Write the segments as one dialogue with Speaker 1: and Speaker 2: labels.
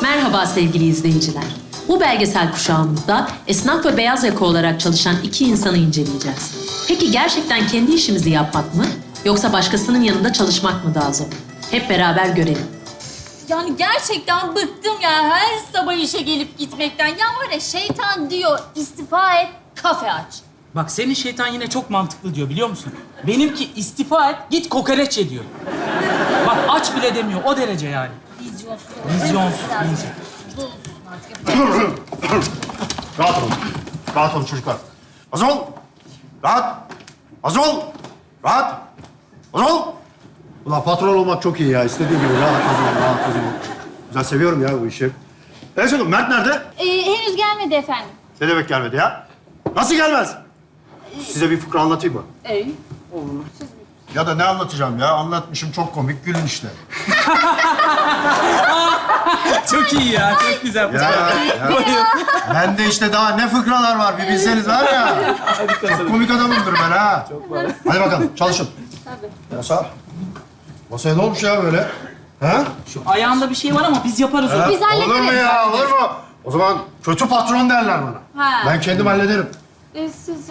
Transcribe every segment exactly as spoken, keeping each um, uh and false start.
Speaker 1: Merhaba sevgili izleyiciler. Bu belgesel kuşağımızda esnaf ve beyaz yaka olarak çalışan iki insanı inceleyeceğiz. Peki gerçekten kendi işimizi yapmak mı yoksa başkasının yanında çalışmak mı daha zor? Hep beraber görelim.
Speaker 2: Yani gerçekten bıktım ya her sabah işe gelip gitmekten. Ya var ya şeytan diyor istifa et, kafe aç.
Speaker 3: Bak senin şeytan yine çok mantıklı diyor biliyor musun? Benimki istifa et, git kokoreç ye diyor. Bak aç bile demiyor, o derece yani.
Speaker 2: Vizyonsuz.
Speaker 3: Vizyonsuz,
Speaker 2: Biraz
Speaker 3: vizyonsuz.
Speaker 4: Rahat olun. Rahat olun çocuklar. Hazır ol. Rahat. Hazır ol. Rahat. Hazır ol. Ulan patron olmak çok iyi ya. İstediğin gibi rahat, hazır ol, rahat, hazır ol. Güzel, seviyorum ya bu işi. Evet canım, Mert nerede?
Speaker 2: Ee, henüz gelmedi efendim.
Speaker 4: Ne demek gelmedi ya? Nasıl gelmez? Size bir fıkra anlatayım mı?
Speaker 2: Ee?
Speaker 4: Ya da ne anlatacağım ya? Anlatmışım, çok komik. Gülün işte.
Speaker 3: Çok iyi ya, çok güzel.
Speaker 4: Ya, ya. Bende işte daha ne fıkralar var bir bilseniz var ya. Çok komik adamımdır ben ha. Hadi bakalım çalışın. Tabii. Masa. Masaya ne olmuş ya böyle? Ha?
Speaker 3: Şu ayağında bir şey var ama biz yaparız onu.
Speaker 4: Ha?
Speaker 2: Biz hallederiz.
Speaker 4: Olur mu ya? Olur mu? O zaman kötü patron derler bana.
Speaker 2: Ha.
Speaker 4: Ben kendim hallederim.
Speaker 2: Ee, sizi...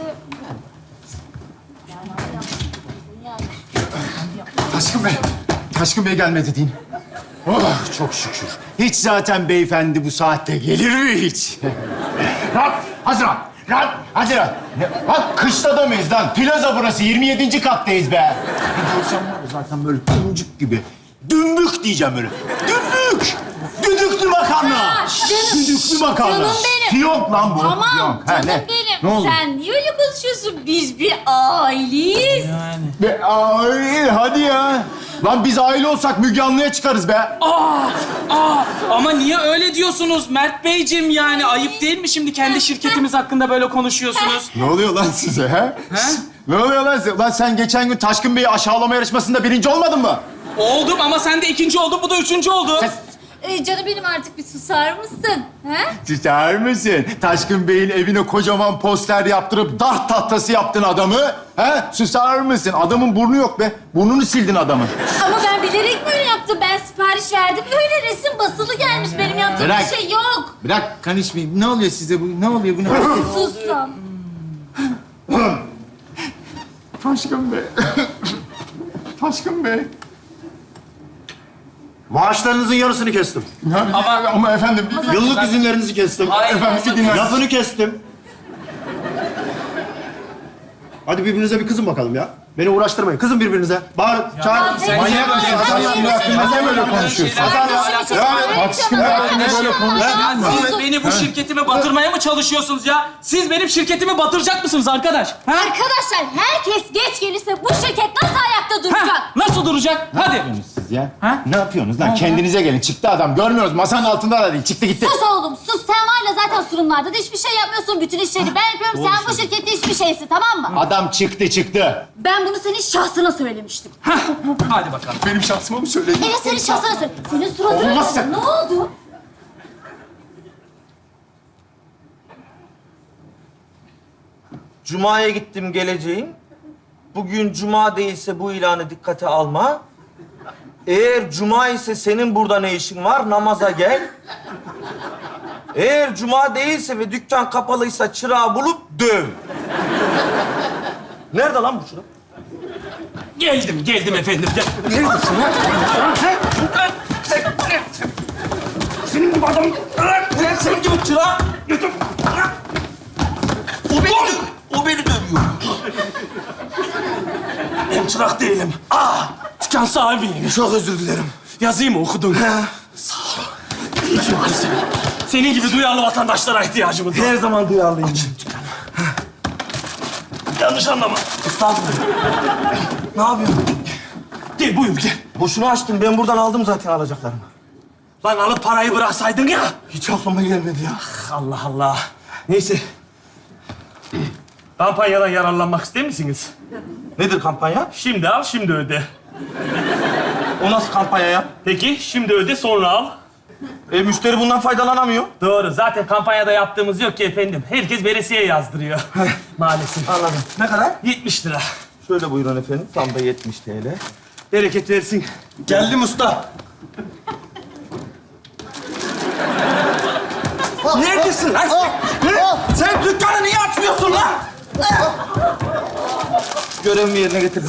Speaker 5: Taşkın Bey, Taşkın Bey gelmedi deyin. Oh, çok şükür. Hiç zaten beyefendi bu saatte gelir mi hiç? Rahat, hazır ol. Rahat, hazır ol. Ne- Bak kışta da mıyız lan? Plaza burası, yirmi yedinci kattayız be. Bir görsem var ya zaten böyle dümbük gibi. Dümbük diyeceğim böyle. Dümbük! Düdüklü makarna!
Speaker 2: Ha, canım.
Speaker 5: Düdüklü makarna.
Speaker 2: Canım benim.
Speaker 5: Fiyonk lan bu.
Speaker 2: Tamam
Speaker 5: fiyonk. Ha,
Speaker 2: canım
Speaker 5: ne?
Speaker 2: benim.
Speaker 5: Ne oldu?
Speaker 2: Sen niye öyle konuşuyorsun? Biz bir aileyiz.
Speaker 3: Yani.
Speaker 5: Be, ay, hadi ya. Lan biz aile olsak Müge Anlı'ya çıkarız be.
Speaker 3: Aa, aa, ama niye öyle diyorsunuz Mert Beyciğim yani? Ayıp değil mi şimdi kendi şirketimiz hakkında böyle konuşuyorsunuz?
Speaker 5: Ne oluyor lan size ha?
Speaker 3: Ha?
Speaker 5: Ne oluyor lan size? Lan sen geçen gün Taşkın Bey'i aşağılama yarışmasında birinci olmadın mı?
Speaker 3: Oldum ama sen de ikinci oldun, bu da üçüncü oldu.
Speaker 5: Sen
Speaker 2: Ee, canım benim artık bir susar mısın? He?
Speaker 5: tutar mısın? Taşkın Bey'in evine kocaman poster yaptırıp dart tahtası yaptın adamı. Ha? Susar mısın? Adamın burnu yok be. Burnunu sildin adamın.
Speaker 2: Ama ben bilerek böyle yaptım. Ben sipariş verdim. Öyle resim basılı gelmiş. Benim yaptığım
Speaker 5: Bırak.
Speaker 2: bir şey yok.
Speaker 5: Bırak konuşmayayım. Ne oluyor size bu? Ne oluyor bu? Ne
Speaker 2: Sus lan.
Speaker 5: Taşkın Bey. Taşkın Bey.
Speaker 4: Maaşlarınızın yarısını kestim.
Speaker 5: Ama, ama efendim...
Speaker 4: Yıllık izinlerinizi kestim.
Speaker 3: Hayır,
Speaker 5: Efendim bir dinler.
Speaker 4: Lafını kestim. Hadi birbirinize bir kızın bakalım ya. Beni uğraştırmayın. Kızın birbirinize. Bağırın, çağırın.
Speaker 2: sen-
Speaker 5: Manyak
Speaker 2: sen-
Speaker 5: mısın?
Speaker 2: sen-
Speaker 5: Taşkın
Speaker 2: sen-
Speaker 5: Bey hakkında niye böyle konuşuyorsun?
Speaker 4: Hazar ya.
Speaker 5: Yani Taşkın Bey hakkında böyle konuşuyorsun.
Speaker 3: Ya siz beni bu şirketime batırmaya mı çalışıyorsunuz ya? Siz benim şirketimi batıracak mısınız arkadaş? Ha?
Speaker 2: Arkadaşlar herkes geç gelirse bu şirket nasıl ayakta duracak?
Speaker 3: Ha? Nasıl duracak? Hadi.
Speaker 5: Siz ya?
Speaker 3: Ha?
Speaker 5: Ne yapıyorsunuz lan? Kendinize gelin. Çıktı adam. Görmüyoruz. Masanın altında da değil. Çıktı gitti.
Speaker 2: Sus oğlum sus. Sen var ya zaten sunumlarda da hiçbir şey yapmıyorsun. Bütün işleri ben yapıyorum. Sen bu şirkette hiçbir şeysin tamam mı?
Speaker 5: Adam çıktı çıktı.
Speaker 2: Ben bunu senin şahsına söylemiştim.
Speaker 3: Hadi bakalım.
Speaker 5: Benim şahsıma mı söyledin?
Speaker 2: Evet senin şahsına söyledim. Senin suratına
Speaker 5: Olmaz
Speaker 2: söyledim. Ne oldu?
Speaker 6: Cuma'ya gittim geleceğim. Bugün cuma değilse bu ilanı dikkate alma. Eğer cuma ise senin burada ne işin var? Namaza gel. Eğer cuma değilse ve dükkan kapalıysa çırağı bulup döv. Nerede lan bu çırak?
Speaker 3: Geldim, geldim efendim. Gel.
Speaker 6: Senin gibi adam... Senin gibi çırak... O beni, dö- o beni dövüyor.
Speaker 3: Ben çırak değilim. Aa, dükkan sahibiyim.
Speaker 6: Çok özür dilerim.
Speaker 3: Yazayım mı okudun? Sağ ol. Çok güzel. Senin gibi duyarlı vatandaşlara ihtiyacımız var.
Speaker 6: Her zaman duyarlıyım.
Speaker 3: Yanlış anlama.
Speaker 6: Estağfurullah. Ne yapıyorsun?
Speaker 3: Gel buyur gel.
Speaker 6: Boşuna açtım. Ben buradan aldım zaten alacaklarımı.
Speaker 3: Lan alıp parayı bıraksaydın ya.
Speaker 6: Hiç aklıma gelmedi ya.
Speaker 3: Allah Allah. Neyse. Kampanyadan yararlanmak ister misiniz?
Speaker 6: Nedir kampanya?
Speaker 3: Şimdi al, şimdi öde.
Speaker 6: O nasıl kampanya ya?
Speaker 3: Peki, şimdi öde, sonra al.
Speaker 6: E, müşteri bundan faydalanamıyor.
Speaker 3: Doğru. Zaten kampanyada yaptığımız yok ki efendim. Herkes veresiye yazdırıyor. Maalesef.
Speaker 6: Anladım. Ne kadar?
Speaker 3: yetmiş lira.
Speaker 6: Şöyle buyurun efendim. Tam da yetmiş T L.
Speaker 3: Bereket versin.
Speaker 6: Geldim usta. neredesin lan sen? Sen dükkanı niye açmıyorsun lan? Görevimi yerine getirdim.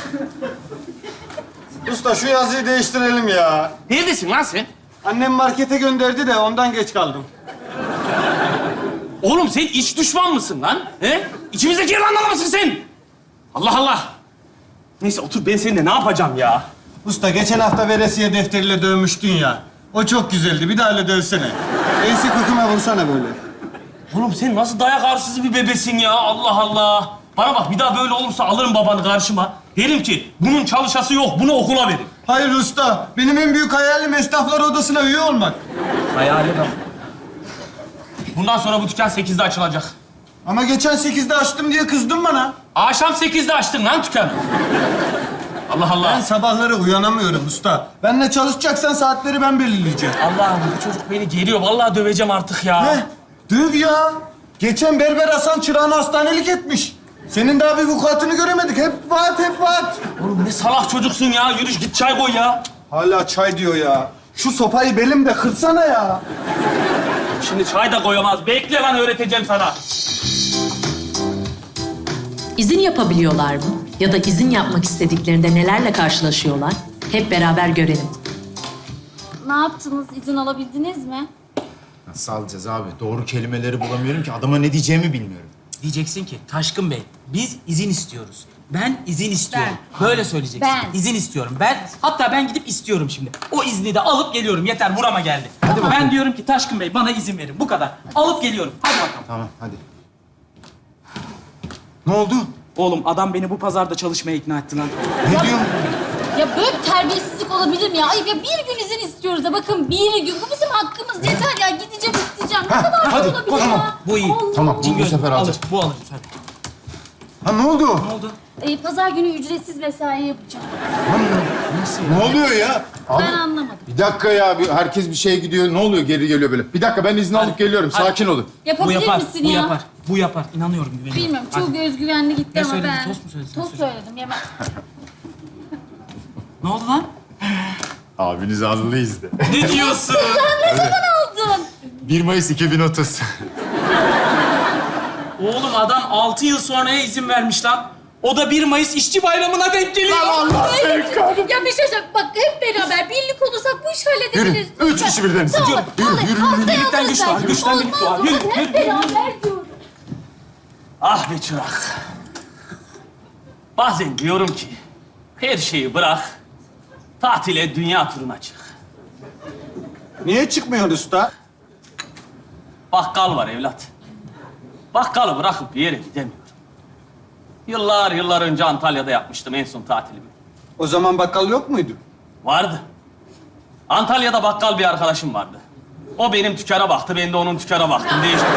Speaker 5: Usta şu yazıyı değiştirelim ya.
Speaker 7: Neredesin lan sen?
Speaker 5: Annem markete gönderdi de ondan geç kaldım.
Speaker 7: Oğlum sen iç düşman mısın lan? He? İçimizdeki yılanlar mısın sen? Allah Allah. Neyse otur, ben seninle ne yapacağım ya?
Speaker 5: Usta geçen hafta veresiye defteriyle dövmüştün ya. O çok güzeldi. Bir daha öyle dövsene. Ensi köküme vursana böyle.
Speaker 7: Oğlum sen nasıl dayak arsızı bir bebesin ya? Allah Allah. Bana bak, bir daha böyle olursa alırım babanı karşıma. Derim ki bunun çalışası yok, bunu okula verin.
Speaker 5: Hayır usta. Benim en büyük hayalim esnaflar odasına üye olmak.
Speaker 7: Hayali bak. Bundan sonra bu dükkan sekizde açılacak.
Speaker 5: Ama geçen sekizde açtım diye kızdın bana.
Speaker 7: Akşam sekizde açtın lan dükkanı. Allah
Speaker 5: Ben
Speaker 7: Allah.
Speaker 5: sabahları uyanamıyorum usta. Benimle çalışacaksan saatleri ben belirleyeceğim.
Speaker 7: Allah'ım bu çocuk beni geriyor. Vallahi döveceğim artık ya.
Speaker 5: Heh, döv ya. Geçen Berber Hasan çırağını hastanelik etmiş. Senin daha bir vukuatını göremedik. Hep vaat, hep vaat.
Speaker 7: Oğlum ne salak çocuksun ya. Yürü git çay koy ya.
Speaker 5: Hala çay diyor ya. Şu sopayı belimde kırsana ya.
Speaker 7: Şimdi çay da koyamaz. Bekle lan, öğreteceğim sana.
Speaker 1: İzin yapabiliyorlar mı? Ya da izin yapmak istediklerinde nelerle karşılaşıyorlar? Hep beraber görelim.
Speaker 2: Ne yaptınız? İzin alabildiniz mi?
Speaker 5: Nasıl alacağız abi? Doğru kelimeleri bulamıyorum ki. Adama ne diyeceğimi bilmiyorum.
Speaker 3: Diyeceksin ki Taşkın Bey, biz izin istiyoruz. Ben izin istiyorum. Böyle söyleyeceksin.
Speaker 2: Ben.
Speaker 3: İzin istiyorum. Ben, hatta ben gidip istiyorum şimdi. O izni de alıp geliyorum. Yeter, burama geldi. Ben diyorum ki Taşkın Bey bana izin verin. Bu kadar. Alıp geliyorum. Hadi bakalım.
Speaker 5: Tamam, hadi. Ne oldu?
Speaker 3: Oğlum adam beni bu pazarda çalışmaya ikna etti lan.
Speaker 5: Ne diyorsun?
Speaker 2: Ya böyle terbiyesizlik olabilir mi ya? Ayıp ya, bir gün izin istiyoruz da bakın bir gün. Bu bizim hakkımız. Yeter ya, gideceğim isteyeceğim. Ne kadar
Speaker 5: hadi,
Speaker 2: olabilir
Speaker 5: tamam.
Speaker 2: ya?
Speaker 3: Bu iyi.
Speaker 2: Allah.
Speaker 5: Tamam, bu, bu
Speaker 3: Cingöz,
Speaker 5: sefer alacağız.
Speaker 3: alır. Bu alırız hadi.
Speaker 5: Ha ne oldu?
Speaker 3: Ne oldu?
Speaker 2: Ee, pazar günü ücretsiz mesai yapacağım.
Speaker 5: Ne oluyor ya?
Speaker 2: Ben anlamadım.
Speaker 8: Bir dakika ya, bir, herkes bir şeye gidiyor. Ne oluyor, geri geliyor böyle? Bir dakika, ben izin alıp geliyorum.
Speaker 3: hadi.
Speaker 8: Sakin olun.
Speaker 3: Bu
Speaker 2: Yapabilir
Speaker 3: yapar.
Speaker 2: misin
Speaker 3: Bu
Speaker 2: ya?
Speaker 3: yapar. Bu yapar. İnanıyorum, güveniyorum.
Speaker 2: Bilmiyorum,
Speaker 3: Hadi.
Speaker 2: çok özgüvenli gitti
Speaker 3: Ne
Speaker 2: ama
Speaker 3: söyledin?
Speaker 2: ben...
Speaker 3: Tost mu söyledin?
Speaker 2: Tost söyledim, yemem.
Speaker 3: Ne oldu lan?
Speaker 8: Abiniz allı izle.
Speaker 3: Ne diyorsun?
Speaker 2: Ne zaman aldın?
Speaker 8: bir Mayıs iki bin otuz.
Speaker 3: Oğlum adam altı yıl sonraya izin vermiş lan. O da bir Mayıs İşçi Bayramı'na denk geliyor.
Speaker 2: Ya bir şey söyle, bak hep beraber birlik olursak bu işi halledebiliriz.
Speaker 8: Yürü, üç kişi birden.
Speaker 2: Tamam,
Speaker 8: Yürü,
Speaker 2: vallahi
Speaker 8: yürü, yürü,
Speaker 2: haftaya
Speaker 3: birlikten
Speaker 2: alırız
Speaker 3: güç var,
Speaker 2: belki.
Speaker 3: güçten birlik
Speaker 2: Olmaz,
Speaker 3: var. Yürü,
Speaker 2: olmaz.
Speaker 3: yürü,
Speaker 2: Hep beraber diyorum.
Speaker 7: Ah be çırak. Bazen diyorum ki her şeyi bırak, tatile, dünya turuna çık.
Speaker 5: Niye çıkmıyorsun usta?
Speaker 7: Bakkal var evlat. Bakkalı bırakıp bir yere gidemiyorum. Yıllar yıllar önce Antalya'da yapmıştım en son tatilimi.
Speaker 5: O zaman bakkal yok muydu?
Speaker 7: Vardı. Antalya'da bakkal bir arkadaşım vardı. O benim dükkana baktı, ben de onun dükkana baktım. Değiştirdik.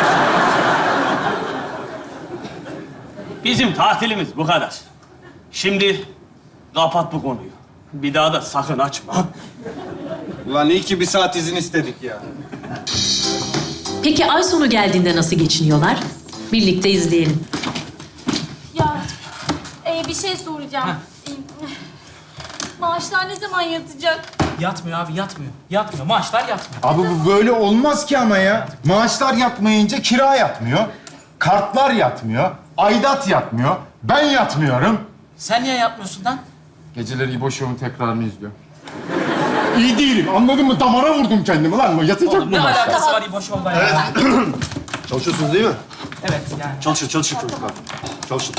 Speaker 7: Bizim tatilimiz bu kadar. Şimdi kapat bu konuyu. Bir daha da sakın açma.
Speaker 5: Ulan iyi ki bir saat izin istedik ya.
Speaker 1: Peki ay sonu geldiğinde nasıl geçiniyorlar? Birlikte izleyelim.
Speaker 2: Ya e, bir şey soracağım. E, maaşlar ne zaman yatacak?
Speaker 3: Yatmıyor abi, yatmıyor. Yatmıyor. Maaşlar yatmıyor.
Speaker 8: Abi bu böyle olmaz ki ama ya. Maaşlar yatmayınca kira yatmıyor. Kartlar yatmıyor. Aidat yatmıyor. Ben yatmıyorum.
Speaker 3: Sen niye yatmıyorsun lan?
Speaker 8: Geceleri İbo Show'un tekrarını izliyorum. İyi değilim, anladın mı? Damara vurdum kendimi lan. Yatacak
Speaker 3: Oğlum
Speaker 8: mı
Speaker 3: ne
Speaker 8: maaşlar?
Speaker 3: alakası var İbo Show'la ya?
Speaker 4: Çalışıyorsunuz değil mi?
Speaker 3: Evet yani.
Speaker 4: Çalışın, çalışın çocuklar. Çalışın.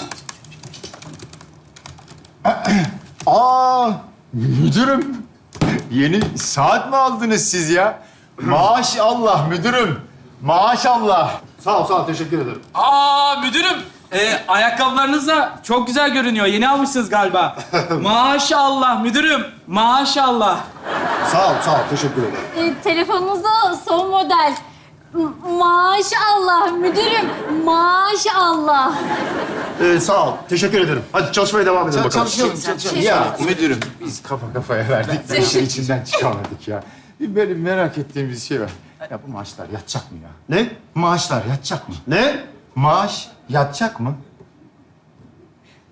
Speaker 8: Aa, müdürüm. Yeni saat mi aldınız siz ya? Maşallah müdürüm. Maşallah.
Speaker 4: Sağ ol, sağ ol. Teşekkür ederim.
Speaker 3: Aa müdürüm. Ee, ayakkabılarınız da çok güzel görünüyor. Yeni almışsınız galiba. Maşallah müdürüm. Maşallah.
Speaker 4: Sağ ol, sağ ol. Teşekkür ederim.
Speaker 2: E, telefonunuz da son model. M- maşallah müdürüm, maşallah.
Speaker 4: Ee, sağ ol. Teşekkür ederim. Hadi çalışmaya devam edelim bakalım.
Speaker 5: Çalışalım, çalışalım.
Speaker 8: Ya müdürüm biz kafa kafaya verdik de işin içinden çıkamadık ya. Bir böyle merak ettiğimiz bir şey var. Ya bu maaşlar yatacak mı ya?
Speaker 4: Ne?
Speaker 8: Maaşlar yatacak mı?
Speaker 4: Ne?
Speaker 8: Maaş yatacak mı?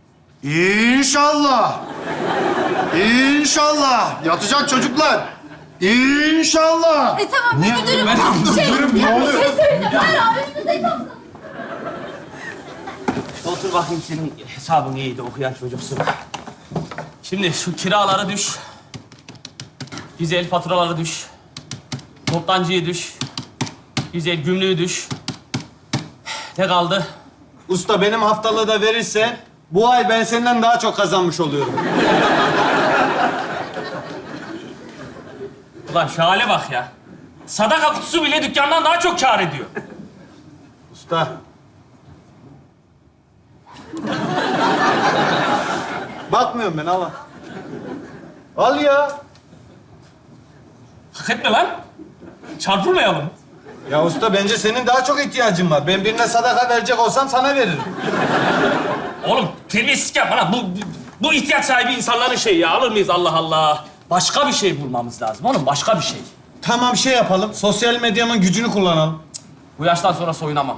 Speaker 4: İnşallah. İnşallah. Yatacak çocuklar.
Speaker 8: İnşallah.
Speaker 2: E tamam
Speaker 8: Niye?
Speaker 2: müdürüm.
Speaker 8: Ben
Speaker 2: şey,
Speaker 8: müdürüm, ne
Speaker 2: ya, bir
Speaker 8: oluyor?
Speaker 2: şey söyleyeceğim. Hayır abi önümüzde kalsın.
Speaker 7: Otur bakayım, senin hesabın iyiydi, okuyan çocuksun. Şimdi şu kiraları düş. Güzel faturaları düş. Toptancıyı düş. Güzel gümrüğü düş. Ne kaldı?
Speaker 9: Usta benim haftalığı da verirsen bu ay ben senden daha çok kazanmış oluyorum.
Speaker 7: Ulan şu hale bak ya. Sadaka kutusu bile dükkandan daha çok kâr ediyor.
Speaker 9: Usta. Bakmıyorum ben, al. Al ya.
Speaker 7: Hak etme lan. Çarpılmayalım.
Speaker 9: Ya usta bence senin daha çok ihtiyacın var. Ben birine sadaka verecek olsam sana veririm.
Speaker 7: Oğlum terbiyesizlik yapma lan. Bu, bu, bu ihtiyaç sahibi insanların şeyi ya. Alır mıyız Allah Allah? Başka bir şey bulmamız lazım oğlum. Başka bir şey.
Speaker 9: Tamam şey yapalım. Sosyal medyanın gücünü kullanalım.
Speaker 7: Bu yaştan sonra soyunamam.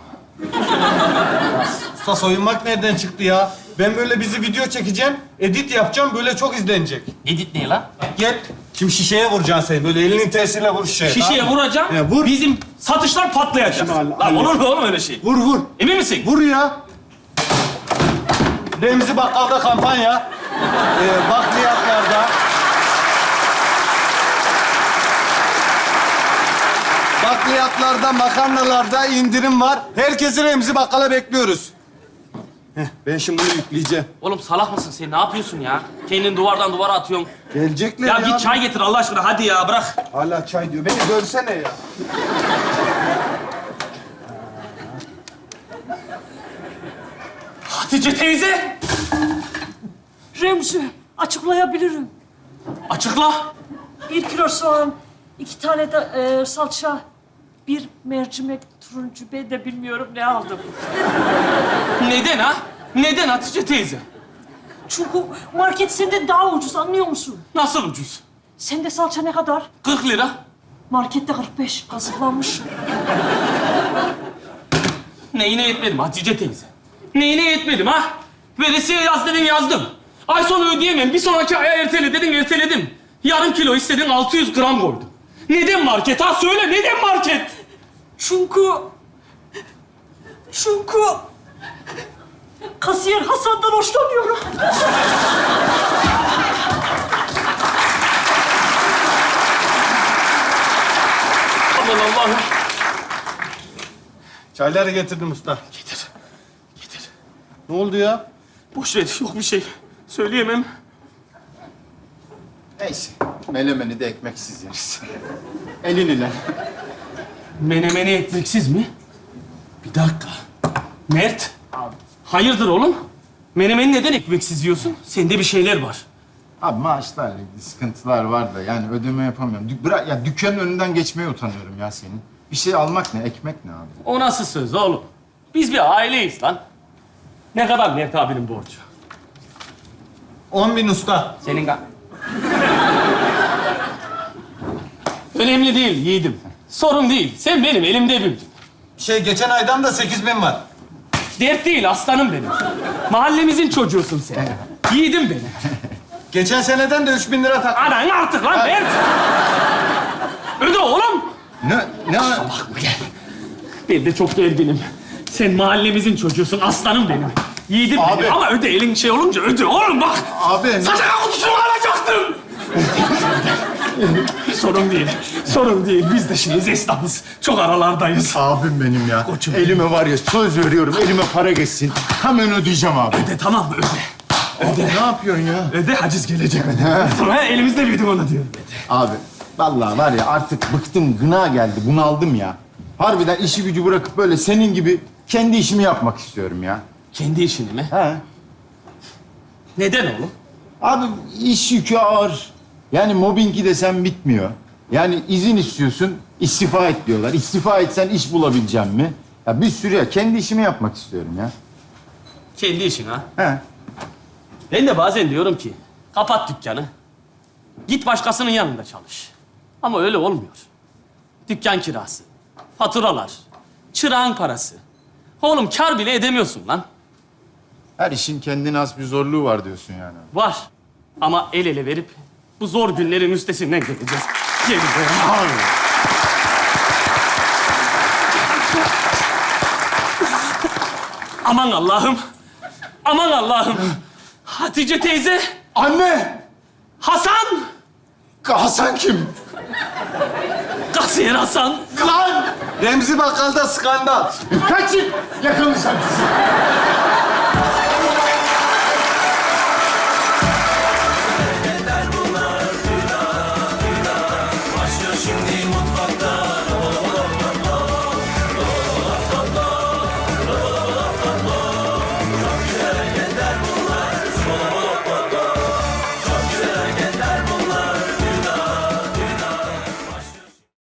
Speaker 9: Usta soyunmak nereden çıktı ya? Ben böyle bizi video çekeceğim, edit yapacağım, böyle çok izlenecek.
Speaker 7: Edit ne lan?
Speaker 9: Gel. Şimdi şişeye vuracaksın seni. Böyle elinin tersiyle vur şişeye.
Speaker 7: Şişeye
Speaker 9: tamam mı?
Speaker 7: vuracağım.
Speaker 9: Ya vur.
Speaker 7: Bizim satışlar patlayacak.
Speaker 9: Şimdi hall-
Speaker 7: Lan olur mu oğlum öyle şey?
Speaker 9: Vur vur.
Speaker 7: Emin misin?
Speaker 9: Vur ya. Remzi Bakkal'da kampanya. Ee, bakliyatlarda. Bakliyatlarda, makarnalarda indirim var. Herkesi Remzi Bakkal'a bekliyoruz. Heh, ben şimdi bunu yükleyeceğim.
Speaker 7: Oğlum salak mısın sen? Ne yapıyorsun ya? Kendini duvardan duvara atıyorsun.
Speaker 9: Gelecekler
Speaker 7: Ya
Speaker 9: ya.
Speaker 7: git çay getir Allah aşkına. Hadi ya bırak.
Speaker 9: Hala çay diyor. Beni görsene ya.
Speaker 7: Hatice teyze.
Speaker 10: Remzi, açıklayabilirim.
Speaker 7: Açıkla.
Speaker 10: Bir kilo soğan, iki tane de e, salça, bir mercimek turuncu, ben de bilmiyorum ne aldım.
Speaker 7: Neden ha? Neden Hatice teyze?
Speaker 10: Çünkü market senden daha ucuz, anlıyor musun?
Speaker 7: Nasıl ucuz?
Speaker 10: Sende salça ne kadar?
Speaker 7: kırk lira.
Speaker 10: Markette kırk beş, kazıklanmış.
Speaker 7: Neyine yetmedim Hatice teyze? Neyine yetmedim ha? Veresiye yaz dedin yazdım. Ay sonu ödeyemem. Bir sonraki aya ertele dedin erteledim. Yarım kilo istedin altı yüz gram koydum. Neden market ha? Söyle neden market?
Speaker 10: Çünkü... Çünkü... Kasiyer Hasan'dan hoşlanıyorum.
Speaker 7: Aman Allah'ım.
Speaker 9: Çayları getirdim usta.
Speaker 7: Getir. Getir.
Speaker 9: Ne oldu ya?
Speaker 7: Boş ver. Yok bir şey. Söyleyemem.
Speaker 8: Neyse. Melemeni de ekmeksiz yeriz. Elini lan.
Speaker 7: Menemeni ekmeksiz mi? Bir dakika. Mert. Hayırdır oğlum? Menemeni neden ekmeksiz yiyorsun? Sende bir şeyler var.
Speaker 8: Abi maaşlarla ilgili sıkıntılar var da yani ödeme yapamıyorum. Dük bırak ya dükkanın önünden geçmeye utanıyorum ya senin. Bir şey almak ne, ekmek ne abi?
Speaker 7: O nasıl söz oğlum? Biz bir aileyiz lan. Ne kadar Mert abinin borcu?
Speaker 9: On bin usta.
Speaker 7: Senin ka... Önemli değil yiğidim. Sorun değil. Sen benim elimde büyüdün.
Speaker 9: Şey geçen aydan da sekiz bin var.
Speaker 7: Dert değil aslanım benim. Mahallemizin çocuğusun sen. Yiğidim benim.
Speaker 9: Geçen seneden de üç bin lira tak.
Speaker 7: Anan artık lan Mert. Öde oğlum.
Speaker 8: Ne, ne?
Speaker 7: Ben de çok gerginim. Sen mahallemizin çocuğusun, aslanım benim. Yiğidim
Speaker 8: Abi.
Speaker 7: benim ama öde, elin şey olunca öde. Oğlum bak!
Speaker 8: Abi ne?
Speaker 7: Sadaka kutusunu alacaktım! sorun değil, sorun değil. Biz de şeyiz, esnafız. Çok aralardayız.
Speaker 8: Abim benim ya.
Speaker 7: Koçum.
Speaker 8: Elime var ya söz veriyorum elime para geçsin. Hemen ödeyeceğim abi.
Speaker 7: Öde tamam mı? Öde.
Speaker 8: Öde. Ne yapıyorsun ya?
Speaker 7: Öde, haciz gelecek öde. Tamam, elimizde büyüdüm onu diyorum. Öde.
Speaker 8: Abi vallahi var ya artık bıktım, gına geldi, bunaldım ya. Harbiden işi gücü bırakıp böyle senin gibi kendi işimi yapmak istiyorum ya.
Speaker 7: Kendi işini mi?
Speaker 8: He.
Speaker 7: Neden oğlum?
Speaker 8: Abi iş yükü ağır. Yani mobbingi desem bitmiyor. Yani izin istiyorsun, istifa et diyorlar. İstifa etsen iş bulabileceğim mi? Ya bir sürü ya. Kendi işimi yapmak istiyorum ya.
Speaker 7: Kendi işin ha.
Speaker 8: He.
Speaker 7: Ben de bazen diyorum ki, kapat dükkanı. Git başkasının yanında çalış. Ama öyle olmuyor. Dükkan kirası, faturalar, çırağın parası. Oğlum kar bile edemiyorsun lan.
Speaker 8: Her işin kendine has bir zorluğu var diyorsun yani.
Speaker 7: Var. Ama el ele verip bu zor günlerin üstesinden geleceğiz. Yemin. Aman Allah'ım. Aman Allah'ım. Hatice teyze.
Speaker 5: Anne!
Speaker 7: Hasan.
Speaker 5: Hasan kim?
Speaker 7: Kasiyer Hasan.
Speaker 5: Lan!
Speaker 9: Remzi Bakkal'da skandal.
Speaker 5: Kaçın! Yakalayacağım sizi.